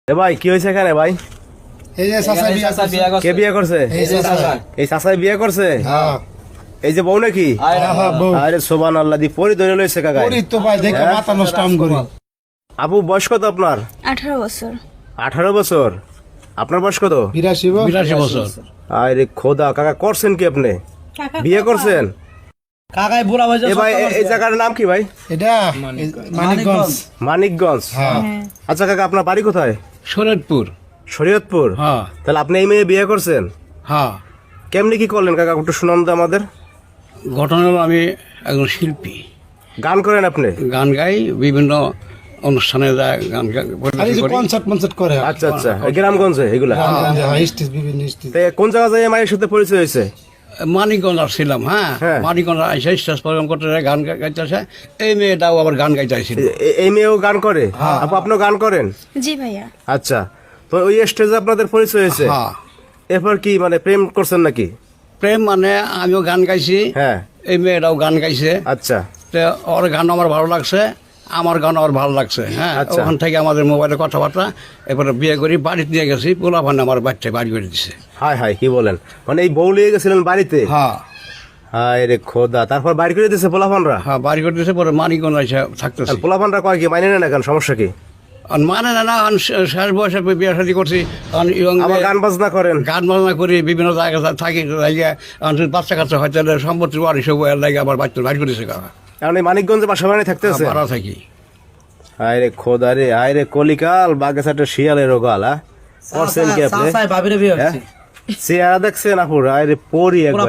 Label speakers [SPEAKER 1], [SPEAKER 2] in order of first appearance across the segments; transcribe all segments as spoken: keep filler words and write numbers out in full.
[SPEAKER 1] এ ভাই কি হয়েছে এখানে ভাই?
[SPEAKER 2] এই যে চাচা বিয়া করছে।
[SPEAKER 1] কে বিয়ে করছে?
[SPEAKER 2] এই যে চাচা।
[SPEAKER 1] এই চাচাই বিয়ে করছে?
[SPEAKER 2] হ্যাঁ
[SPEAKER 1] এই যে বউ নাকি?
[SPEAKER 2] হ্যাঁ বউ।
[SPEAKER 1] আরে সুবহানাল্লাহ, দি পরি ধরে লইছে কাকা।
[SPEAKER 2] পরি তো ভাই দেখে মাথা নষ্ট আম করি।
[SPEAKER 1] আপু বয়স কত আপনার?
[SPEAKER 3] আঠারো বছর।
[SPEAKER 1] আঠারো বছর। আপনার বয়স কত?
[SPEAKER 2] বিরাশি বউ।
[SPEAKER 4] বিরাশি বছর।
[SPEAKER 1] আরে খোদা, কাকা করছেন কি আপনি? বিয়ে করছেন?
[SPEAKER 4] কাকাই বুড়া হয়েছে।
[SPEAKER 1] এ ভাই এ- এই জায়গার নাম কি ভাই?
[SPEAKER 2] এটা মানিকগঞ্জ।
[SPEAKER 1] মানিকগঞ্জ।
[SPEAKER 2] হ্যাঁ
[SPEAKER 1] আচ্ছা কাকা, আপনার বাড়ি কোথায়?
[SPEAKER 4] শরীয়তপুর।
[SPEAKER 1] শরীয়তপুর।
[SPEAKER 4] হ্যাঁ
[SPEAKER 1] তাহলে আপনি এই মেয়ে বিয়ে করছেন?
[SPEAKER 4] হ্যাঁ।
[SPEAKER 1] কেমনি কি করলেন কাকা, একটু শুনান তো আমাদের।
[SPEAKER 4] ঘটনা হলো আমি একজন শিল্পী,
[SPEAKER 1] গান করেন আপনি?
[SPEAKER 4] গান গাই, বিভিন্ন অনুষ্ঠানে যায় গান গা-
[SPEAKER 2] আর এই
[SPEAKER 4] পরিবেশন
[SPEAKER 2] যে
[SPEAKER 4] করি।
[SPEAKER 2] কনসার্ট মনসার্ট করে।
[SPEAKER 1] আচ্ছা আচ্ছা, এই গ্রামগঞ্জে এগুলা।
[SPEAKER 2] হ্যাঁ স্টেজ বিভিন্ন স্টেজ।
[SPEAKER 1] তে কোন জায়গা যায় মায়ের সাথে পরিচয় হয়েছে?
[SPEAKER 4] মানিকগঞ্জ আসছিলাম। হ্যাঁ
[SPEAKER 1] হ্যাঁ।
[SPEAKER 4] মানিকগঞ্জ এসে স্টেজ প্রোগ্রাম করতে যায়, গান গা- গাইতে আসে। এই মেয়েটাও আবার গান গাইতে আসছিল।
[SPEAKER 1] এ- এই মেয়েও গান করে? আপু আপনিও গান করেন?
[SPEAKER 3] জি ভাইয়া।
[SPEAKER 1] আচ্ছা, তো ওই স্টেজে আপনাদের পরিচয় হয়েছে?
[SPEAKER 4] হ্যাঁ।
[SPEAKER 1] এরপর কি মানে প্রেম করছেন নাকি?
[SPEAKER 4] প্রেম মানে আমিও গান গাইছি,
[SPEAKER 1] হ্যাঁ।
[SPEAKER 4] এই মেয়েটাও গান গাইছে।
[SPEAKER 1] আচ্ছা
[SPEAKER 4] তো ওর গান আমার ভালো লাগছে, আমার গান আমার ভালো লাগছে। হ্যাঁ
[SPEAKER 1] আচ্ছা।
[SPEAKER 4] ওখান থেকে আমাদের মোবাইলে কথাবার্তা, এরপরে বিয়ে করি, বাড়িতে দিয়ে গেছি, পোলা ভান আমার বাচ্চায় বাড়ি করে দিছে।
[SPEAKER 1] হাই হাই, কি বলেন, মানে এই বউ লিয়ে গেছিলেন বাড়িতে?
[SPEAKER 4] হ্যাঁ
[SPEAKER 1] হাই রে খোদা, তারপর বাড়ি করে দিয়েছে পোলাপানরা?
[SPEAKER 4] হ্যাঁ বাড়ি করে দিয়েছে, পরে মানিকগঞ্জ এসে থাকতেছি।
[SPEAKER 1] পোলাপানরা কয় কি মানে না, কেন সমস্যা কি?
[SPEAKER 4] আর মানে না না, আমি শেষ বয়সে বিয়ে শাদী করছি, কারণ ইয়ং
[SPEAKER 1] আবার গান বাজনা করেন?
[SPEAKER 4] গান বাজনা করি, বিভিন্ন জায়গায় থাকি, জায়গায় বাচ্চা কাচ্চা হয়তো সম্পত্তি বাড়ি সব লাগে, আবার বাচ্চা বাড়ি করেছে কাকা।
[SPEAKER 1] কারণ এই মানিকগঞ্জে বাসা বাড়ি থাকতেছে?
[SPEAKER 4] ভাড়া থাকি।
[SPEAKER 1] হাই রে খোদা রে, হাই রে কলিকাল, বাগেছাটে শিয়ালের রোগাল। হ্যাঁ করছেন কি আপনি? হ্যাঁ? চেহারা দেখছেন আপুর, হাই রে পরি একবার।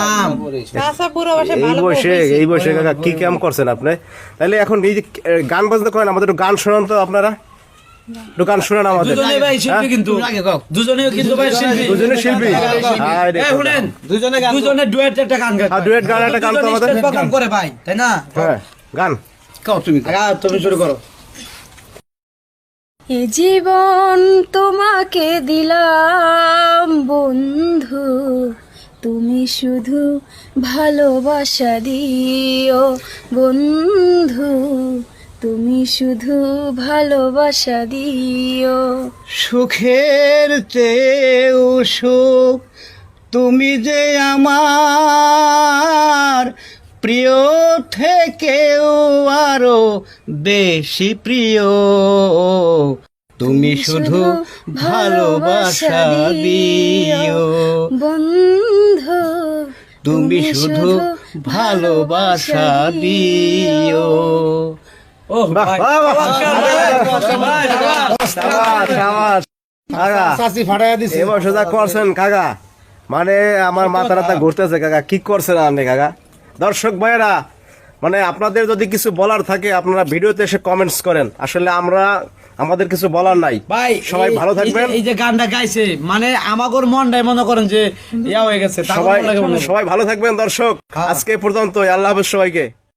[SPEAKER 1] এই বয়সে এই বয়সে কাকা কি কাম করছেন আপনি? তাহলে এখন এই যে এ, গান বাজনা করেন, আমাদের একটু গান শোনান তো আপনারা, একটু গান শোনান আমাদের।
[SPEAKER 5] দুজনে ভাই শিল্পী কিন্তু
[SPEAKER 4] তুমি আগে গাও।
[SPEAKER 5] দুজনেও কিন্তু ভাই শিল্পী
[SPEAKER 1] দুজনে শিল্পী? হাই রে
[SPEAKER 5] এই
[SPEAKER 1] খোদা।
[SPEAKER 5] শুনেন দুজনে গান দুজনে ডুয়েট একটা গান গায়
[SPEAKER 1] হ্যাঁ, duet গান একটা গান তো আমাদের।
[SPEAKER 5] প্রোগ্রাম করে ভাই তাই না
[SPEAKER 1] হ্যাঁ গান।
[SPEAKER 4] গাও তুমি গাও।
[SPEAKER 5] আগা তুমি শুরু করো
[SPEAKER 3] এ জীবন তোমাকে দিলাম বন্ধু, তুমি শুধু ভালোবাসা দিও বন্ধু, তুমি শুধু ভালোবাসা দিও।
[SPEAKER 4] সুখের চেয়েও সুখ তুমি যে আমার, প্রিয় থেকেও আরো বেশি প্রিয়, তুমি শুধু ভালোবাসা দিও
[SPEAKER 3] বন্ধু,
[SPEAKER 4] তুমি শুধু ভালোবাসা দিও।
[SPEAKER 5] ও
[SPEAKER 1] বাহ,
[SPEAKER 5] ভাই
[SPEAKER 1] বাহ, বাহ, শাবাশ, শাবাশ। কাকা,
[SPEAKER 2] চাচি ফাটাইয়া দিছে।
[SPEAKER 1] এবার সোজা করছেন কাকা, মানে আমার মাথা রাতা ঘুরতেছে কাকা, কি করছেন আপনি কাকা? দর্শক ভাইয়েরা, মানে আপনাদের যদি কিছু বলার থাকে আপনারা ভিডিওতে এসে কমেন্টস করেন, আসলে আমরা আমাদের কিছু বলার নাই।
[SPEAKER 5] ভাই
[SPEAKER 1] সবাই
[SPEAKER 5] এই-
[SPEAKER 1] ভালো
[SPEAKER 5] এই যে-
[SPEAKER 1] থাকবেন।
[SPEAKER 5] এই যে গানটা গাইছে মানে আমাগোর মনটাই মনে করেন যে ইয়া হয়ে গেছে তারপর
[SPEAKER 1] সবাই
[SPEAKER 5] মনে লাগে মনে হয়।
[SPEAKER 1] সবাই ভালো থাকবেন দর্শক, আজকে পর্যন্ত, আল্লাহ হাফেজ সবাইকে।